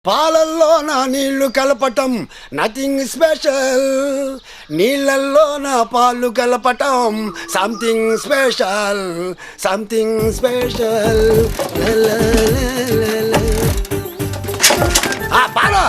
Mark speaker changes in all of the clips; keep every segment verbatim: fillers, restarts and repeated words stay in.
Speaker 1: పాలల్లో నా నీళ్లు కలపటం నథింగ్ స్పెషల్, నీళ్ళల్లో నా పాలు కలపటం సంథింగ్ స్పెషల్, సంథింగ్ స్పెషల్. పాలు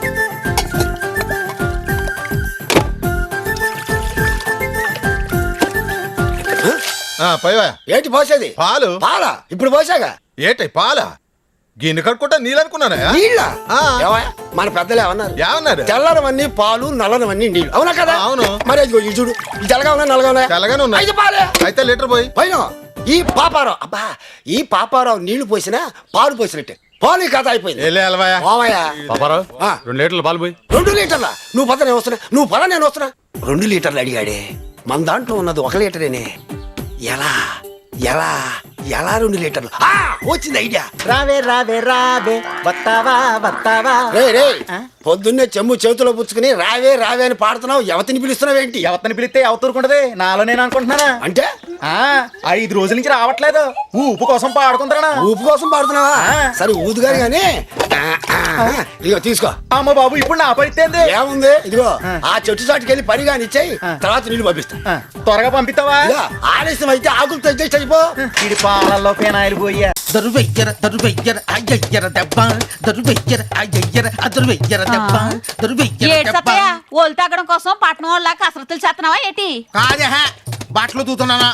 Speaker 1: ఏంటి పోసేది?
Speaker 2: పాలు.
Speaker 1: పాలా? ఇప్పుడు పోసాగా.
Speaker 2: ఏటై పాలా? గిన్నె కడుకుంటా నీళ్ళు అనుకున్నానా?
Speaker 1: నీళ్ళ మన పెద్దలు ఏమన్నారు?
Speaker 2: ఏమన్నారు?
Speaker 1: తెల్లనవన్నీ పాలు, నల్లనవన్నీ నీళ్ళు. అవునా కదా?
Speaker 2: అవును.
Speaker 1: మరి అది చూడు, తెల్లగా ఉన్నా నల్లగా ఉన్నా?
Speaker 2: తెల్లగానే ఉన్నా.
Speaker 1: అయితే పాలే.
Speaker 2: అయితే లీటర్ పోయి
Speaker 1: పైన ఈ పాపారావు, అబ్బా ఈ పాపారావు నీళ్లు పోసినా పాలు పోసినట్టే. పాలు కథ అయిపోయింది.
Speaker 2: పాపారావు రెండు లీటర్లు పాలు పోయి.
Speaker 1: రెండు లీటర్ల? నువ్వు పద నేను వస్తున్నా, నువ్వు పద నేను వస్తున్నా. రెండు లీటర్లు అడిగాడే, మన దాంట్లో ఉన్నది ఒక లీటరేనే. ఎలా ఎలా ఎలా రెండు లీటర్లు? వచ్చింది ఐడియా.
Speaker 3: రావే రావే రావే వస్తావా వస్తావా.
Speaker 1: రే రే పొద్దున్నే చెమ్ము చేతిలో పుచ్చుకుని రావే రావే అని పాడుతున్నావు. ఎవతిని పిలుస్తున్నావు ఏంటి?
Speaker 3: ఎవరిని పిలిస్తే ఎవతూరుకుంటది, నాలో నేను అనుకుంటున్నానా?
Speaker 1: అంటే
Speaker 3: ఆ ఐదు రోజుల నుంచి రావట్లేదు, ఊపు కోసం పాడుకుంటారా?
Speaker 1: ఊపు కోసం పాడుతున్నావా? సరే ఊదుగాని గాని ఇదిగో తీసుకో.
Speaker 3: అమ్మ బాబు ఇప్పుడు నా పరిస్థితి
Speaker 1: ఏముంది? ఇదిగో ఆ చెట్టు చాటుకి వెళ్ళి పని కాని ఇచ్చాయి, తర్వాత నీళ్ళు పంపిస్తా.
Speaker 3: త్వరగా పంపిస్తావా?
Speaker 1: ఆలస్యం అయితే ఆకులు తెచ్చి అయిపో.
Speaker 3: ఇది పాలల్లో పేనాయిలు పోయా.
Speaker 4: దరువెయ్యర దరువెయ్యర అయ్యయ్యర దెబ్బ, దరువెయ్యర అయ్యయ్యర అదరువెయ్యర దెబ్బ, దరువెయ్యర దెబ్బ.
Speaker 5: ఓలు తాగడం కోసం పట్టణం వాళ్ళ కసరత్తులు చేస్తున్నావా ఏంటి?
Speaker 4: కాదే బట్టలు తూతున్నానా?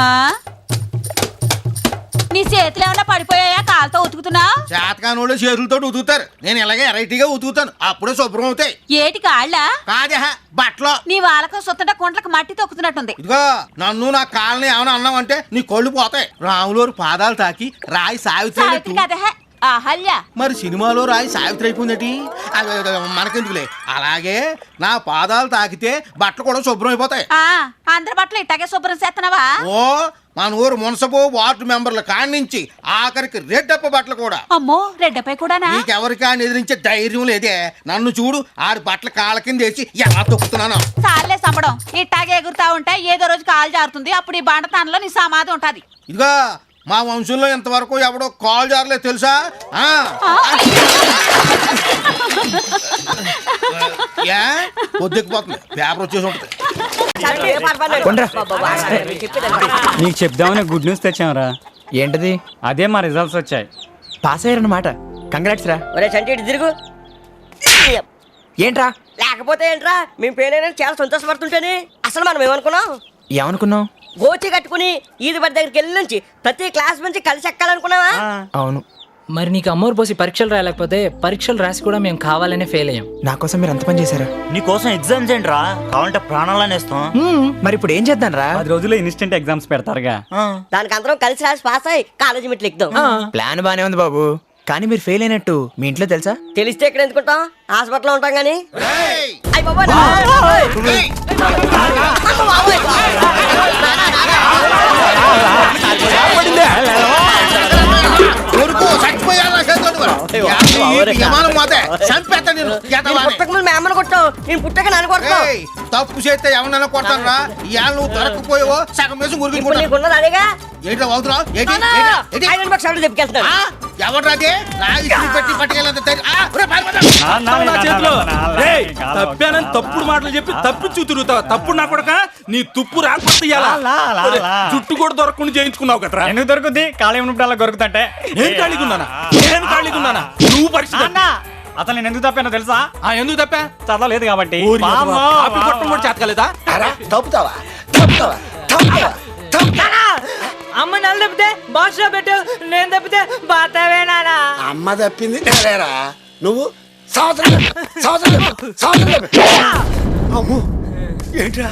Speaker 5: నీ చేతులు ఏమన్నా పడిపోయాయా? కాలుతో ఉతుకుతున్నావు?
Speaker 4: చేతకానోళ్ళు చేతులతో ఉతుకుతారు, నేను ఇలాగే వెరైటీగా ఉతుకుతాను, అప్పుడే శుభ్రం అవుతాయి.
Speaker 5: ఏటి కాళ్ళ?
Speaker 4: కాదే బట్టలు.
Speaker 5: నీ వాళ్ళకు సుత్తట కుంట్లకు మట్టి తొక్కుతున్నట్టుంది.
Speaker 4: ఇదిగో నన్ను నా కాళ్ళని ఏమైనా అన్నావంటే నీ కళ్ళు పోతాయి. రాములోరు పాదాలు తాకి రాయి సావిత్రి
Speaker 5: కదే అహల్య.
Speaker 4: మరి సినిమాలో రాయి సావిత్రి అయిపోయిందటి, మనకెందుకులే. అలాగే నా పాదాలు తాకితే బట్టలు కూడా శుభ్రం అయిపోతాయి.
Speaker 5: అందరి బట్టలు ఇట్టాగే శుభ్రం చేస్తున్నావా?
Speaker 4: ఓ మన ఊరు మున్సబు వార్డు మెంబర్ల కాడి నుంచి ఆఖరికి రెడ్డప్ప బట్టలు కూడా.
Speaker 5: అమ్మో రెడ్డపై కూడా
Speaker 4: నీకెవరికాని ఎదిరించే ధైర్యం లేదే. నన్ను చూడు, ఆడి బట్టలు కాళ్ళ కింద వేసి ఎలా తొక్కుతున్నాను.
Speaker 5: చాలే సంబడం, ఇట్టాగే ఎగురుతా ఉంటే ఏదో రోజు కాలు జారుతుంది, అప్పుడు ఈ బండతానంలో నీ సమాధి ఉంటది.
Speaker 4: ఇదిగో మా వంశంలో ఇంతవరకు ఎవడో కాల్ జారలేదు తెలుసా? పొద్దుకుపోతుంది, పేపర్ వచ్చేసి ఉంటుంది.
Speaker 6: నీకు చెప్దామని గుడ్ న్యూస్ తెచ్చాంరా.
Speaker 7: ఏంటది?
Speaker 6: అదే మా రిజల్ట్స్ వచ్చాయి.
Speaker 7: పాస్ అయ్యారన్నమాట. కంగ్రాట్స్ రా.
Speaker 8: ఒరే చంటి ఇటు తిరుగు.
Speaker 7: ఏంట్రా?
Speaker 8: లేకపోతే ఏంట్రా, మేము పేరైనా చాలా సంతోషపడుతుంటేనే. అసలు మనం ఏమనుకున్నాం?
Speaker 7: ఏమనుకున్నావు?
Speaker 8: గోచి కట్టుకుని ఈది బడి దగ్గరికి వెళ్ళి నుంచి ప్రతి క్లాస్ నుంచి కలిసి ఎక్కాలనుకున్నావా?
Speaker 7: అవును.
Speaker 9: మరి నీకు అమ్మోరు పోసి పరీక్షలు రాయలేకపోతే పరీక్షలు రాసి కూడా మేము కావాలనే ఫెయిల్ అయ్యాం.
Speaker 7: నా కోసం మీరు అంత పని చేశారా?
Speaker 10: నీ కోసం ఎగ్జామ్స్ ఏంట్రా, కావాలంటే ప్రాణాలనే ఇస్తాం.
Speaker 7: మరి ఇప్పుడు ఏం చేద్దాం రా?
Speaker 6: పది రోజుల్లో ఇన్స్టెంట్ ఎగ్జామ్స్ పెడతారుగా,
Speaker 8: దానికి అందరం కలిసి రాసి పాస్ అయ్యి కాలేజీ మెట్లు ఎక్కుదాం.
Speaker 7: ప్లాన్ బానే ఉంది బాబు, కానీ మీరు ఫెయిల్ అయినట్టు మీ ఇంట్లో తెలుసా?
Speaker 8: తెలిస్తే ఎక్కడ ఎందుకుంటాం, హాస్పిటల్లో ఉంటాం గానీ.
Speaker 4: తప్పు చేస్తే ఎవరన్నా కొడతాను రా. ఇవాళ నువ్వు దొరకపోయావో సగం వేసి
Speaker 8: నీకున్నది అదేగా.
Speaker 4: ఎవరాదే పెట్టి పట్టుకెళ్ళి
Speaker 11: తప్పానని తప్పుడు మాటలు చెప్పి తప్పించు తిరుగుతావు. తప్పుడు నా కొడక నీ తుప్పు రాకపోతే జుట్టు కూడా దొరకకుండా చేయించుకున్నావు కదరా.
Speaker 6: ఎందుకు దొరుకుద్ది? ఖాళీ ఉన్నప్పుడు అలా దొరుకుతుంటే.
Speaker 11: నేను ఖాళీగా ఉన్నానా? నేను ఖాళీగా ఉన్నానా? నువ్వు పరిస్థితి
Speaker 6: అసలు నేను ఎందుకు తప్పానో తెలుసా?
Speaker 11: ఎందుకు తప్పా?
Speaker 6: చదవలేదు కాబట్టి.
Speaker 11: కొట్టం కూడా చేతకాలేదా?
Speaker 1: తప్పుతావా తప్పుతావా తప్పుతావా?
Speaker 9: అమ్మ నన్ను తప్పితే బాక్స్ లో పెట్టు, నేను తప్పితే బాతావేనా?
Speaker 1: అమ్మ తప్పింది నేనేరా. నువ్వు సంవత్సరం సంవత్సరం సంవత్సరం అమ్మో ఏంట్రా?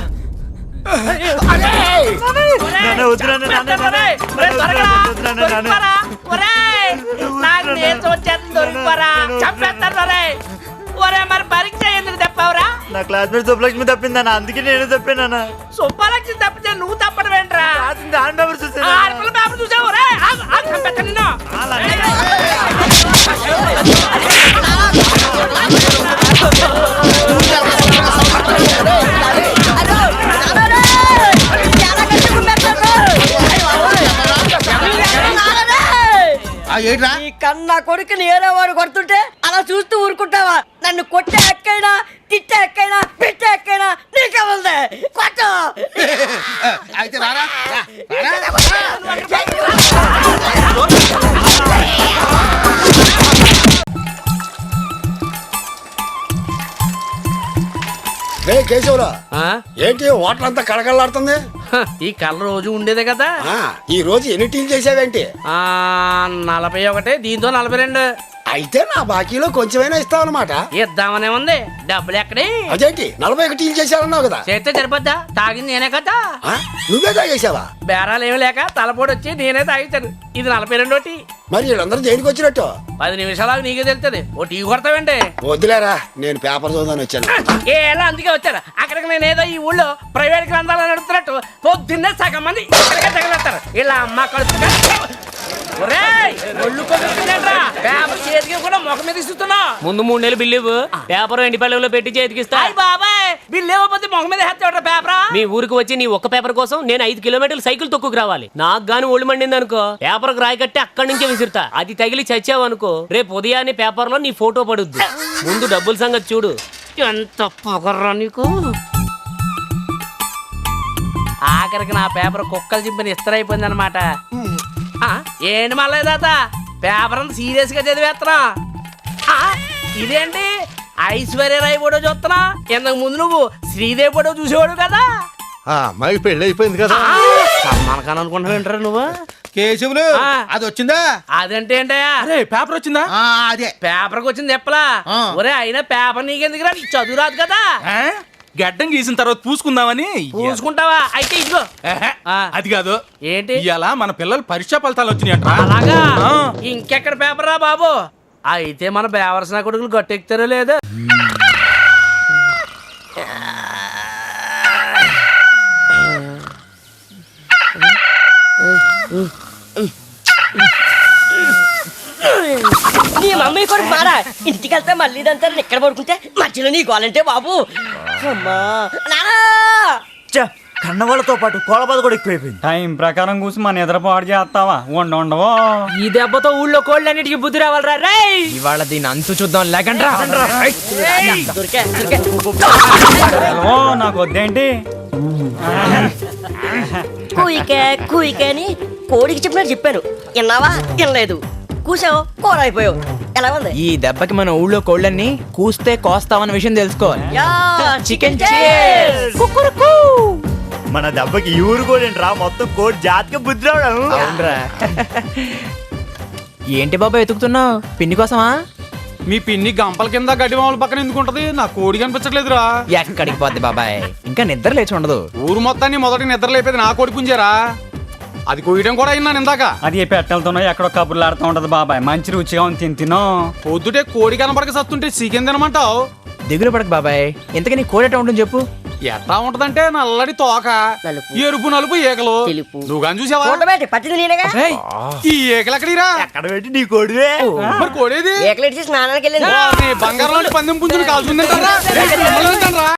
Speaker 9: మరి పరీక్ష ఎందుకు తప్పావురా?
Speaker 10: నా క్లాస్మేట్ సుబ్బలక్ష్మి తప్పిందన్న, అందుకే నేను తప్పానన్నా.
Speaker 9: సుబ్బలక్ష్మి తప్పితే నువ్వు తప్పడం ఏంట్రా?
Speaker 10: దాని పేపర్
Speaker 9: పేపర్ చూసావు?
Speaker 4: ఏంట్రా
Speaker 8: కన్నా కొడుకుని ఏరే వాడు కొడుతుంటే అలా అలా చూస్తూ ఊరుకుంటావా? నన్ను కొట్టే ఎక్కైనా, తిట్టే ఎక్కైనా, పెట్టే ఎక్కైనా నీకే ఉంది. కొట్టు.
Speaker 4: అయితే రారా రా, రారా.
Speaker 1: రే కేశవురా, ఏంటి వాటర్ అంతా కళకళలాడుతుంది?
Speaker 4: ఈ కళ్ళ రోజు ఉండేదే కదా.
Speaker 1: ఆ, ఈ రోజు ఎన్ని టీలు చేసావేంటి?
Speaker 4: ఆ నలభై ఒకటి, దీంతో నలభై రెండు.
Speaker 1: అయితే నా బాకీలో కొంచెమైనా ఇస్తావు అనమాట.
Speaker 4: ఇద్దామనే ఉంది. డబ్బులు ఎక్కడి?
Speaker 1: అదేంటి నలభై ఒక టీలు చేశారన్నావు కదా?
Speaker 4: చేస్తే సరిపోద్దా? తాగింది నేనే కదా.
Speaker 1: ఆ, నువ్వే తాగేసావా?
Speaker 4: బేరాలు ఏమి లేక తలపోటు వచ్చి నేనే తాగించాను. ఇది నలభై రెండు టీ.
Speaker 1: మరి వీళ్ళందరూ దేనికి వచ్చినట్టు?
Speaker 4: పది నిమిషాలకు నీకే తెలుస్తుంది. O T కొడతావండి.
Speaker 1: వద్దులేరా, నేను పేపర్ చదువుదాని వచ్చాను.
Speaker 4: ఏలా అందుకే వచ్చారు. అక్కడికి నేను ఏదో ఈ ఊళ్ళో ప్రైవేట్ గ్రంథాలు నడుపుతున్నట్టు పొద్దున్నే సగం మంది ఇక్కడికే తగిలేస్తారు. ఇలా అమ్మ కడుపుగా చేతికి కూడా ముఖం మీద ఇస్తున్నా.
Speaker 9: ముందు మూడు నెలలు బిల్లు ఇవ్వు. పేపర్ ఎండి పళ్ళెంలో పెట్టి చేతికిస్తా.
Speaker 4: బాబాయ్ బిల్లు ఇవ్వకపోతే ముఖం మీద హెచ్చవట పేపరా.
Speaker 9: మీ ఊరికి వచ్చి నీ ఒక్క పేపర్ కోసం నేను ఐదు కిలోమీటర్లు సైకిల్ తొక్కుకు రావాలి. నాకు గాని ఒళ్ళు మండింది అనుకో, పేపర్ రాయి కట్టి అక్కడి నుంచే విసురుతా. అది తగిలి చచ్చావు అనుకో, రేపు ఉదయాన్నే పేపర్ లో నీ ఫోటో పడుద్ది. ముందు డబ్బుల సంగతి చూడు.
Speaker 4: ఎంత పొగర్రా నీకు. ఆఖరికి నా పేపర్ కుక్కలు చింపిన ఇస్తరైపోయింది అనమాట. ఏంటి మళ్ళీ తాత పేపర్ అంత సీరియస్ గా చదివేస్తున్నా? ఇదేంటి ఐశ్వర్యరాయ్ ఫోటో చూస్తున్నా? ఇంతకు ముందు నువ్వు శ్రీదేవి ఫోటో చూసేవాడు కదా.
Speaker 2: ఆ అమ్మాయికి పెళ్లి అయిపోయింది కదా.
Speaker 4: సల్మాన్ అనుకుంటున్నావు ఏంటారు నువ్వు?
Speaker 3: కేశవులు అది వచ్చిందా?
Speaker 4: అదంటే ఏంటయ్యా?
Speaker 11: అరే పేపర్ వచ్చిందా?
Speaker 3: అదే
Speaker 4: పేపర్కి వచ్చింది చెప్పలా? ఒరే అయినా పేపర్ నీకెందుకు రా? నీకు చదువు రాదు కదా.
Speaker 11: ఆ? గడ్డం గీసిన తర్వాత పూసుకుందామని.
Speaker 4: పూసుకుంటావా? అయితే ఇదిగో.
Speaker 11: ఏహే, అది కాదు.
Speaker 4: ఏంటి
Speaker 11: ఇలా మన పిల్లలు పరీక్షా ఫలితాలు వచ్చినాయంట.
Speaker 4: అలాగా?
Speaker 11: ఆ.
Speaker 4: ఇంకెక్కడ పేపర్ రా బాబు. అయితే మన బేవర్సన కొడుకులు గట్టెక్కుతారో లేదో.
Speaker 8: నీ మమ్మీ కొడుకు మారా. ఇంటికి వెళ్తే మళ్ళీ ఇదంతా ఇక్కడ పడుకుంటే మధ్యలో నీ గోలంటే బాబు. అమ్మా నానా
Speaker 10: కన్నవాళ్ళతో పాటు కోలబాద కూడా ఎక్కువైపోయింది.
Speaker 6: టైం ప్రకారం కూసి మన నిద్ర పాడు చేస్తావా? ఉండ ఉండవో.
Speaker 9: ఈ దెబ్బతో ఊళ్ళో కోళ్ళన్నిటికీ బుద్ధి రావాలరా రే.
Speaker 7: ఇవాళ దీని అంతు చూద్దాం లేకండ్రా.
Speaker 8: దొరికే దొరికే.
Speaker 6: ఓ నాకు వద్దేంటి?
Speaker 8: కూయికే కూయికే అని కోడికి చెప్పినట్టు చెప్పాను. విన్నావా? వినలేదు. కూసావు, కూర అయిపోయావు. ఎలా ఉంది?
Speaker 7: ఈ దెబ్బకి మన ఊళ్ళో కోళ్ళన్ని కూస్తే కోస్తామన్న విషయం తెలుసుకోవాలి.
Speaker 8: Yeah,
Speaker 7: chicken
Speaker 8: cheers.
Speaker 7: కుక్కురుకు.
Speaker 10: మన దెబ్బకి ఈ ఊరు కూడా రా, మొత్తం కోడి జాతికి బుద్ధి రావడం.
Speaker 7: అవునరా. ఏంటి బాబా ఎతుకుతున్నావు? పిన్ని కోసమా?
Speaker 11: మీ పిన్ని గంపల కింద గడ్డి మామూలు పక్కన ఎందుకుంటది? నా కోడి కనిపించట్లేదురా.
Speaker 7: ఎక్కడికి పోద్ది బాబాయ్, ఇంకా నిద్ర లేచి ఉండదు.
Speaker 11: ఊరు మొత్తాన్ని మొదటి నిద్ర లేపేది నా కోడి పుంజారా. అది కోయడం కూడా అయినా ఇందాక.
Speaker 6: అది పెట్టెలతోనో ఎక్కడో కబుర్లు ఆడుతూ ఉంటది బాబాయ్. మంచి రుచిగా ఉంది, తిని తినో.
Speaker 11: పొద్దుటే కోడి కనపడక సత్తుంటే చికెన్ తినమంటావు?
Speaker 7: దిగులు పడక బాబాయ్. ఇంతకీ నీ కోడి ఎట్లా ఉంటుంది చెప్పు.
Speaker 11: ఎట్లా ఉంటదంటే నల్లడి తోక,
Speaker 8: నలుపు,
Speaker 11: ఎరుపు నలుపు ఏకలు.
Speaker 8: తెలుపు.
Speaker 11: నువ్వు కానీ చూసావా?
Speaker 8: చూడబెట్టి పట్టింది నేనేగా.
Speaker 7: ఏయ్,
Speaker 11: ఈ ఏకలు ఎక్కడిరా?
Speaker 10: ఎక్కడ పెట్టి నీ కోడివే.
Speaker 11: మరి కోడేది?
Speaker 8: ఏకలేట్ చేసి స్నానానికి వెళ్ళింది.
Speaker 11: బంగారం పందెం పుంజులు కాల్చుందంటారా?